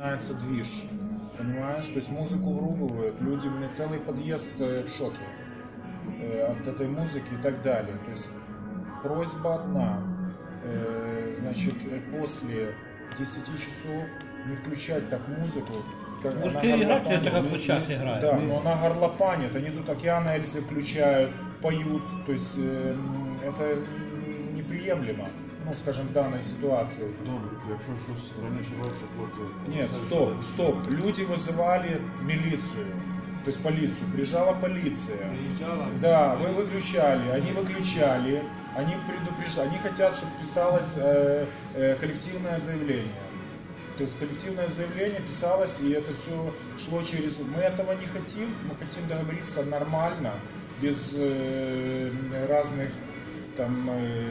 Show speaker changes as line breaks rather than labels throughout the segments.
Начинается движ, понимаешь? То есть музыку врубывают, люди, мне целый подъезд в шоке от этой музыки и так далее. То есть просьба одна, значит, после 10 часов не включать так музыку.
Можете играть, это как вот сейчас играют.
Да, но она горлопанит, они тут Океан Эльзы включают, поют, то есть это неприемлемо, ну, скажем, в данной ситуации.
Добре, якщо щось раніше ваше хлопці...
Нет, стоп. Люди вызывали милицию, то есть полицию. Приезжала полиция.
Приїжджала?
Да, вы выключали, они выключали, они предупреждали, они хотят, чтобы писалось коллективное заявление. То есть коллективное заявление писалось, и это все шло через... Мы этого не хотим, мы хотим договориться нормально, без разных там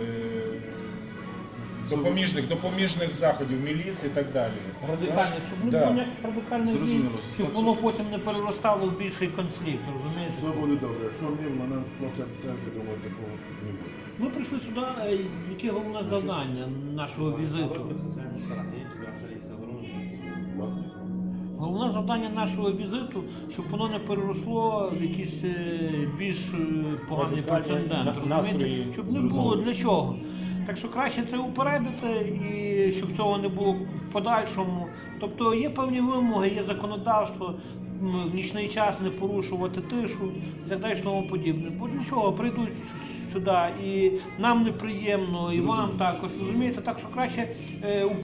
допоміжних заходів, міліції і так далі.
Радикально, щоб не було ніяких радикальних дій, щоб воно потім не переростало в більший конфлікт, розумієте?
Все буде добре. Якщо ні, мене хлопця церкви, думаю, такого не буде.
Ми прийшли сюди, яке головне завдання нашого візиту? Головне завдання нашого візиту, щоб воно не переросло в якийсь більш поганий прецедент, розумієте? Щоб не було для чого. Так що краще це упередити і щоб цього не було в подальшому. Тобто є певні вимоги, є законодавство, в нічний час не порушувати тишу і так далі, і тому подібне. Бо для чого прийдуть сюди і нам неприємно, і вам також, розумієте? Так що краще